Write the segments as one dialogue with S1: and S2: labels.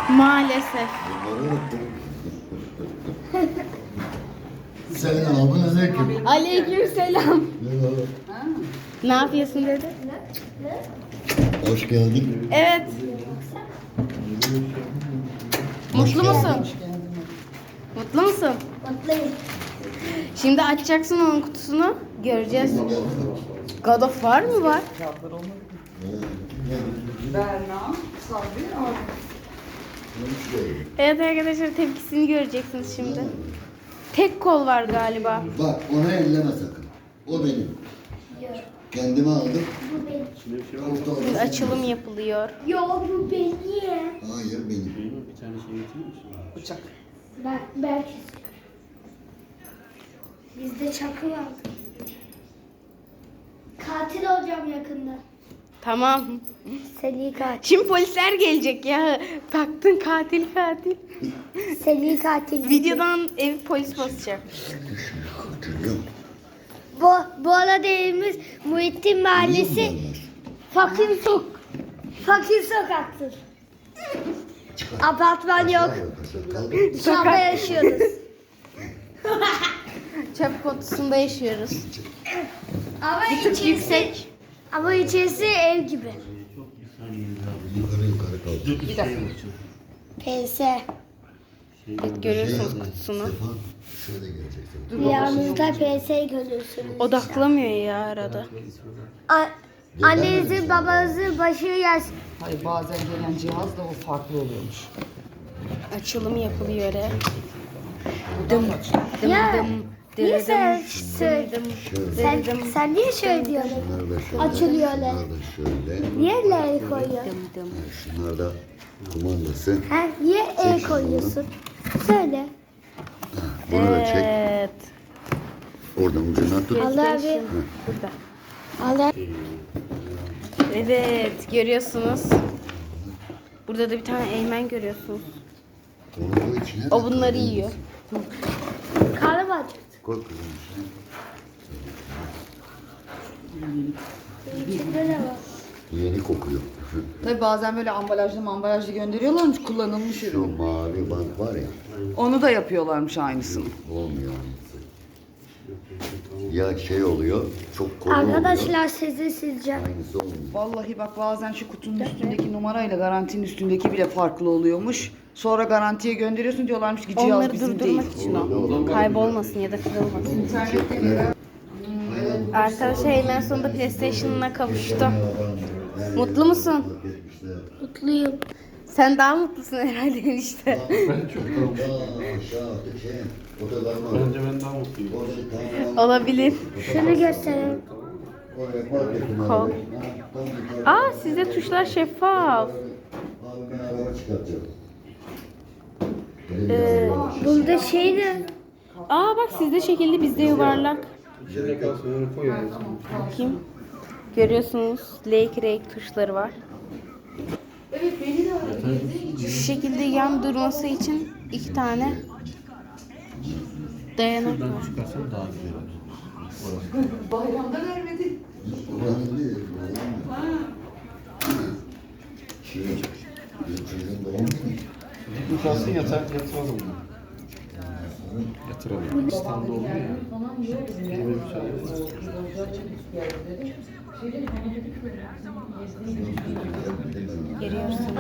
S1: Maalesef.
S2: Bunları unuttum. Selamun aleyküm.
S1: Aleykümselam.
S2: Merhaba.
S1: Ne yapıyorsun dedi?
S2: Hoş geldin.
S1: Evet. Mutlu musun? Mutlu musun?
S3: Mutluyum.
S1: Şimdi açacaksın onun kutusunu. Göreceğiz. God of War mı var?
S4: Berna, Sabri, abi.
S1: Evet arkadaşlar, tepkisini göreceksiniz şimdi. Tek kol var galiba.
S2: Bak onu elleme sakın. O benim. Kendime aldım.
S3: Bu benim.
S2: Orta
S1: Şimdi açılım yapılıyor.
S3: Yo bu benim.
S2: Hayır benim.
S5: Bir tane şey getirir misin?
S4: Bıçak.
S3: Ben bizde çakı var. Katil olacağım yakında.
S1: Tamam.
S3: Seri katil.
S1: Şimdi polisler gelecek ya. Baktın katil.
S3: Seri katil.
S1: Videodan ev polis basacak.
S2: Hatırlıyorum.
S3: Bu arada evimiz Muhittin Mahallesi fakir sokaktır. Apartman yok. Dışarıda yaşıyoruz.
S1: Çöp kutusunda yaşıyoruz.
S3: Ama
S1: Bir tık yüksek.
S3: Ama içerisi ev gibi.
S2: Yukarı kaldı.
S4: Bir dakika.
S3: PS.
S1: Evet, görüyorsunuz kutusunu.
S2: Sefa şöyle geleceksin.
S3: Yanınızda PS görüyorsunuz.
S1: Odaklamıyor ya arada.
S3: Annenizin babanızın başı gelsin.
S4: Hayır, bazen gelen cihaz da o farklı oluyormuş.
S1: Açılım yapılıyor ya.
S4: Buradan mı açıyor?
S3: Ya, niye sen
S2: Şöyle.
S3: sen niye şöyle diyorsun?
S2: Bunlar da şöyle.
S3: Açılıyor öyle.
S2: Bunlar da şöyle.
S3: Niye el koyuyorsun?
S2: Şunlar da kumandası.
S3: Ha, niye el koyuyorsun? Söyle.
S2: Bunu da çek.
S1: Evet.
S2: Oradan ucundan tut.
S3: Allah abi.
S1: Burada.
S3: Allah.
S1: Evet, görüyorsunuz. Burada da bir tane eğmen görüyorsunuz.
S2: Onu koy içine.
S1: O bunları yiyor.
S3: Karnım acıktı.
S2: Koy kızım içine.
S3: İçinde ne var?
S2: Yeni kokuyor.
S4: Tabii bazen böyle ambalajlı gönderiyorlarmış, kullanılmış
S2: Şu
S4: ürün.
S2: mavi bant var ya.
S4: Onu da yapıyorlarmış aynısını.
S2: Olmuyor aynısı. Ya şey oluyor. Çok koyu oluyor.
S3: Arkadaşlar sizi sileceğim.
S2: Aynısı olmuyor.
S4: Vallahi bak, bazen şu kutunun üstündeki numarayla garantinin üstündeki bile farklı oluyormuş. Sonra garantiye gönderiyorsun, diyorlarmış ki cihaz
S1: Onları
S4: bizim
S1: durdurmak
S4: değil.
S1: için o. Kaybolmasın ya da kırılmasın.
S4: İnternette
S1: Arkadaşlar en sonunda PlayStation'ına kavuştu. Mutlu musun?
S3: Mutluyum.
S1: Sen daha mutlusun herhalde enişte.
S5: Ben çok tamam. Bence ben daha mutluyum.
S1: Olabilir.
S3: Şunu göstereyim.
S1: Kol. Aa, sizde tuşlar şeffaf.
S3: Bunda şey ne?
S1: Aa bak, sizde şekilli bizde yuvarlak.
S5: İçine kalsın öyle koy yani.
S1: Bakayım. Görüyorsunuz Lake tuşları var. Şu şekilde yan durması için iki tane dayanak var.
S5: Çıkarsan daha güzel olur.
S4: bayramda vermedi.
S5: Bu kalsın yatıralım. Yatıralım. İstanbul'da oldu ya. Böyle bir şey yok.
S1: Görüyorsunuz.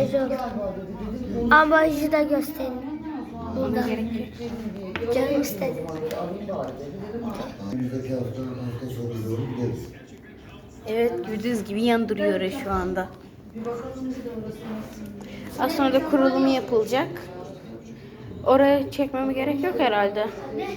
S3: Ambalajı da göstereyim.
S1: Ona gerek yok.
S3: Canım istedi.
S2: Önümüzdeki hafta sonu doğru gideriz.
S1: Evet, gördüğünüz gibi yan duruyor şu anda. Az sonra da kurulumu yapılacak. Oraya çekmeme gerek yok herhalde.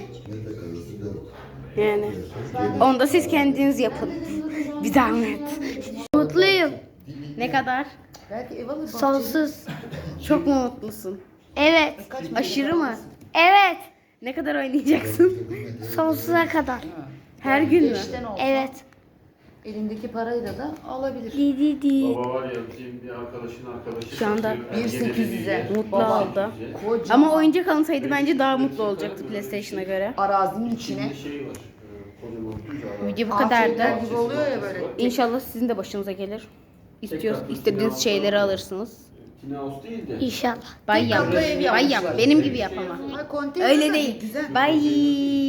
S1: Yani onu da siz kendiniz yapın. Bir zahmet.
S3: Mutluyum.
S1: Ne kadar?
S4: Belki ev alır.
S3: Sonsuz.
S1: Çok mu mutlusun?
S3: Evet.
S1: Aşırı mı?
S3: Evet.
S1: Ne kadar oynayacaksın?
S3: Sonsuza kadar.
S1: Her gün mü?
S4: İşten olsa
S3: Evet.
S4: elindeki parayla da alabilir.
S3: Di di di.
S5: Baba var ya, bizim bir arkadaşın arkadaşı.
S1: Şu anda
S4: 1.800'e.
S1: Mutlu
S4: Baba,
S1: oldu.
S4: kocaman
S1: Ama oyuncak alınsaydı bence daha mutlu olacaktı PlayStation'a göre.
S4: arazinin içine.
S5: Bir şey var. Kocaman kucağı.
S1: Video bu kadardı.
S4: ATV'ler gibi oluyor ya böyle.
S1: İnşallah sizin de başınıza gelir. İstiyorsunuz, istediğiniz şeyleri alırsınız.
S5: Tinaus değil de.
S3: İnşallah.
S1: Bay yap.
S4: katlı ev
S1: Bay
S4: yapmışlar.
S1: yap. Benim gibi yap ama.
S4: Ay, konteyner
S1: Öyle
S4: de
S1: değil.
S4: Güzel.
S1: Bay.